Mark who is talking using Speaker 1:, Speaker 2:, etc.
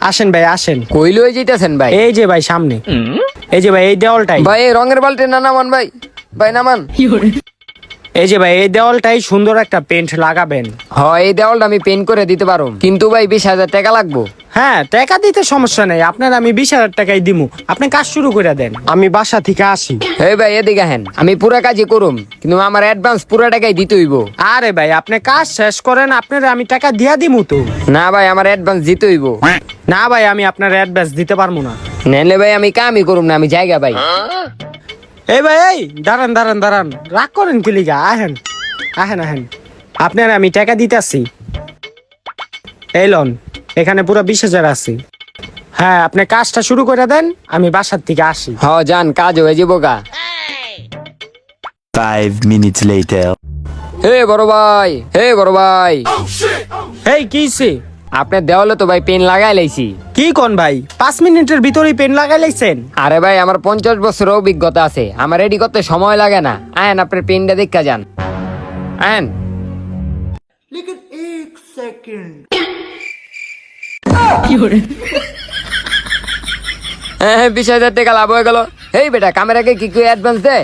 Speaker 1: আসেন ভাই আসেন।
Speaker 2: কই লয়ে যাইতাছেন ভাই?
Speaker 1: এই যে ভাই সামনে, এই যে ভাই এই দেওয়ালটাই।
Speaker 2: ভাই এই রঙের বালতি না নামান ভাই, ভাই নামান।
Speaker 1: এই যে ভাই এই দেওয়ালটাই সুন্দর একটা পেন্ট লাগাবেন।
Speaker 2: হয় এই দেওয়ালটা আমি পেন্ট করে দিতে পারো, কিন্তু ভাই 20,000 টাকা লাগবো।
Speaker 1: হ্যাঁ, টাকা দিতে সমস্যা নেই, আপনার আমি 20,000 টাকাই দিমু। আপনি কাজ শুরু করে দেন, আমি বাসা থেকে আসি।
Speaker 2: হে ভাই এদিকে হেন, আমি পুরা কাজই করুম, কিন্তু আমার অ্যাডভান্স পুরা টাকাই দিতে হইব।
Speaker 1: আরে ভাই আপনি কাজ শেষ করেন, আপনার আমি টাকা দিয়া দিমু তো।
Speaker 2: না ভাই আমার অ্যাডভান্স দিতে হইব।
Speaker 1: না ভাই আমি আপনার অ্যাডভান্স দিতে পারবো না।
Speaker 2: নেলে ভাই আমি কামই করুম না, আমি জায়গা ভাই।
Speaker 1: এই ভাই এই দাঁড়ান দাঁড়ান দাঁড়ান, রাগ করেন কি লিগা? আহেন আহেন আহেন, আপনার আমি টাকা দিতেছি। এই লন, এখানে পুরো 20,000 আছে। হ্যাঁ আপনি কাজটা শুরু করে দেন, আমি বাসার থেকে আসি।
Speaker 2: হ যান, কাজ হয়ে যাবো গা।
Speaker 3: 5 minutes later.
Speaker 2: হে বড় ভাই, হে বড় ভাই,
Speaker 1: এই কিছে?
Speaker 2: আপনার দেওয়ালে তো ভাই পেন লাগাই লাইছি।
Speaker 1: কি কোন ভাই, 5 মিনিটের ভিতরেই পেন লাগাই লাইছেন?
Speaker 2: আরে ভাই আমার 50 বছর অভিজ্ঞতা আছে, আমার রেডি করতে সময় লাগে না। আয়েন আপনার পেনটা দেখা যান, আয়েন। হ্যাঁ 20,000 টাকা লাভ হয়ে গেল। এই বেটা ক্যামেরাকে কি কি অ্যাডভান্স দে।